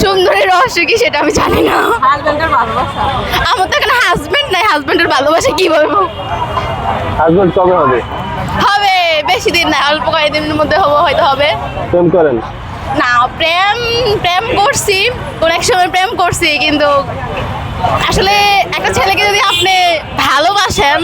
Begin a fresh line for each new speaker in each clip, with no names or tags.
সুন্দরীর রহস্য কি সেটা আমি জানি না।
হাজবেন্ডের ভালোবাসা।
আমার তো এখানে হাজবেন্ড নাই, হাজবেন্ডের ভালোবাসা কি বলবো।
হাজবেন্ড কবে হবে?
হবে বেশি দিন না, অল্প কয়েকদিনের মধ্যে হয়তো হবে।
প্রেম করেন?
না, প্রেম প্রেম করছি, কোন এক সময় প্রেম করছি, কিন্তু আসলে একটা ছেলেকে যদি আপনি ভালোবাসেন,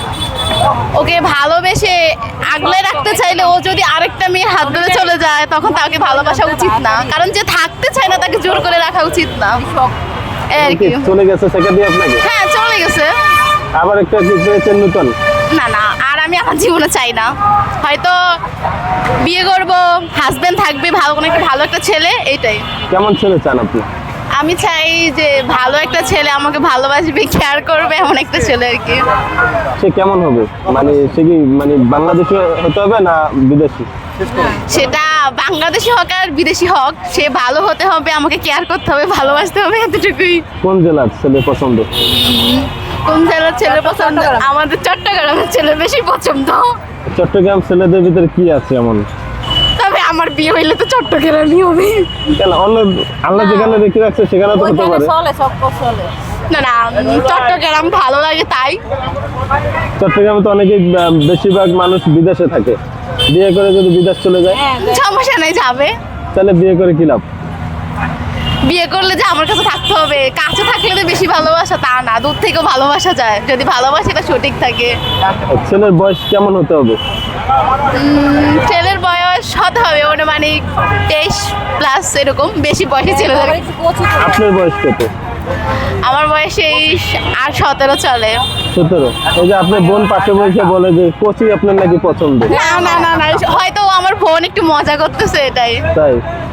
ওকে ভালোবেসে আগলে রাখতে চাইলে ও যদি আরেকটা মেয়ের হাত ধরে চলে যায়, তখন তাকে ভালোবাসা উচিত না। কারণ যে থাকতে চায় না তাকে জোর করে রাখা উচিত না। এই আর কি।
চলে গেছে সেটা দিয়ে আপনাকে?
হ্যাঁ, চলে গেছে।
আবার একটা কি পেয়েছেন নতুন?
না না, আর আমি আমার জীবনে চাই না। হয়তো বিয়ে করব, হাজবেন্ড থাকবে, ভালো একটা ছেলে, এইটাই।
কেমন ছেলে চান আপনি?
আমি চাই যে ভালো একটা ছেলে আমাকে ভালোবাসবে, কেয়ার করবে, এমন একটা ছেলে আর কি।
সে কেমন হবে? মানে সে কি মানে বাংলাদেশি হতে হবে না বিদেশি?
সেটা বাংলাদেশি হোক আর বিদেশি হোক, সে ভালো হতে হবে, আমাকে কেয়ার করতে হবে, ভালোবাসতে হবে, এতটুকুই।
কোন জেলার ছেলে পছন্দ?
কোন জেলার ছেলে পছন্দ? আমাদের চট্টগ্রামের ছেলে বেশি পছন্দ।
চট্টগ্রাম ছেলেদের ভিতরে কি আছে এমন?
তবে আমার বিয়ে হইলে তো চট্টগ্রামই হবে।
কেন অন্য আল্লাহ যেখানে রেখে রাখছে সেখানে তো হতে
ওইখানে
পারে।
চলে, সব চলে।
না না, চট্টগ্রাম ভালো লাগে তাই।
চট্টগ্রামে তো অনেকেই বেশিরভাগ মানুষ বিদেশে থাকে, বিয়ে করে যদি বিদেশ চলে যায়
সমস্যা নেই, যাবে।
তাহলে বিয়ে করে কি লাভ?
বিয়ে করলে যে আমার কাছে থাকতে হবে, কাছে থাকলে তো বেশি ভালোবাসা তা না, দূর থেকেও ভালোবাসা যায় যদি ভালোবাসাটা সঠিক থাকে।
ছেলের বয়স কেমন হতে হবে?
ছেলের বয়স হতে হবে মানে 23+ এরকম, বেশি বয়সী ছেলেদের।
আবার একটু কচি করে।
আপনার বয়স কত?
আমার বয়স এই 17 চলে।
17। এই যে আপনার বোন পাশে বসে বলে যে কোচি আপনার নাকি পছন্দ।
না না না না, হয়তো আমার বোন একটু মজা করতেছে, এটাই।
তাই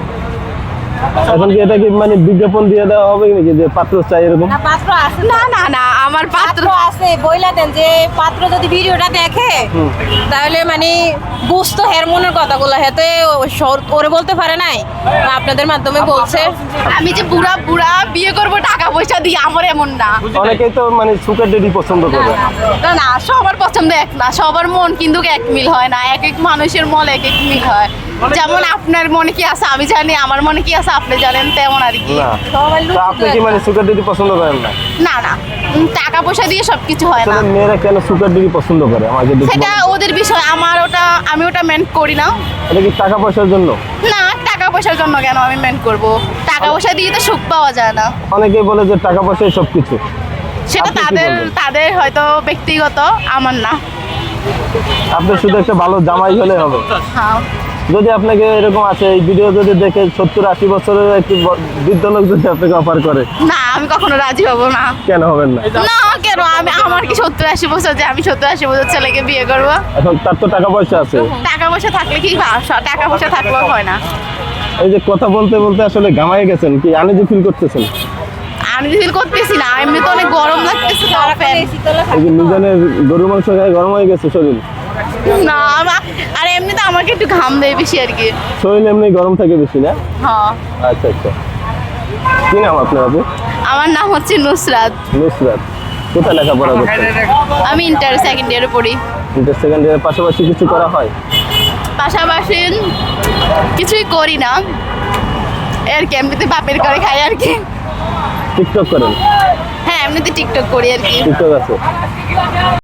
এখন কি এটা কি মানে বিজ্ঞাপন দিয়ে দেওয়া হবে নাকি যে পাত্র চাই এরকম?
না, পাত্র আছে।
না না না, আমার পাত্র
পাত্র আছে, বইলা দেন যে পাত্র যদি ভিডিওটা দেখে তাহলে মানে বুঝতো হের মনের কথাগুলো, হেতে ওরে বলতে পারে নাই, আপনাদের মাধ্যমে বলছে।
আমি যে বুড়া বুড়া বিয়ে করবো টাকা পয়সা দিয়ে, আমার এমন না।
অনেকেই তো মানে সুগার ডেডি পছন্দ করে।
না না, সবার পছন্দ এক না, সবার মন কিন্তু এক মিল হয় না, এক এক মানুষের মন এক এক মিল হয়। যেমন আপনার মনে কি আছে আমি জানি, আমার মনে কি আছে আপনি জানেন, তেমন আর কি।
না
সবাই
তা আপনি কি মানে সুগার ডেডি পছন্দ করেন না?
না না, টাকা পয়সা দিয়ে সবকিছু হয় না।
তাহলে মেয়েরা কেন সুগার ডেডি পছন্দ করে আমাকে দেখুন?
সেটা ওদের বিষয়, আমি ওটা মেন্ট করি না।
এটা কি টাকা পয়সার জন্য?
না, টাকা পয়সার জন্য কেন আমি মেন্ট করব? টাকা পয়সা দিয়ে তো সুখ পাওয়া যায় না।
অনেকেই বলে যে টাকা পয়সাই সবকিছু।
সেটা
আপনি কি
তাদের
বলবেন?
তাদের হয়তো ব্যক্তিগত, আমার না।
আপনার শুধু একটা ভালো জামাই হলে হবে।
হ্যাঁ,
যদি আপনাকে এরকম আছে এই ভিডিও যদি দেখে 70-80 বছরের একটি বৃদ্ধ লোক যদি আপনাকে অফার করে,
না আমি কখনো রাজি হব না।
কেন হবেন না?
না কেন, আমার কি 70-80 বছর যে আমি 70-80 বছর ছেলেকে বিয়ে করব?
এখন তার তো টাকা পয়সা আছে।
টাকা পয়সা থাকলে কি টাকা পয়সা থাকলেও হয় না।
এই যে কথা বলতে বলতে আসলে ঘামায় গেছেন, কি আনইজি ফিল করতেছেন?
আমি ফিল করতেছি না, এমনি তো অনেক গরম লাগতেছে।
শীতলে
এই যে মিজানের গরুর মাংস খায় গরম হয়ে গেছে শরীর?
না আর এমনি তো আমাকে একটু ঘাম দেয় বেশি আর কি।
শরীর এমনি গরম থাকে বেশি না?
হ্যাঁ।
আচ্ছা আচ্ছা। কি নাম আপনার আপু?
আমার নাম হচ্ছে নুসরাত।
নুসরাত। কোথায় লেখাপড়া করছেন?
আমি ইন্টার সেকেন্ড ইয়ারে পড়ি।
ইন্টার সেকেন্ড ইয়ারের পাশাপাশি কিছু করা হয়?
পাশাপাশি কিছুই করি না, আর কি এমনিতে বাপের করে খাই আর কি।
টিকটক করেন?
হ্যাঁ, এমনিতে টিকটক করি আর কি।
টিকটক আছে?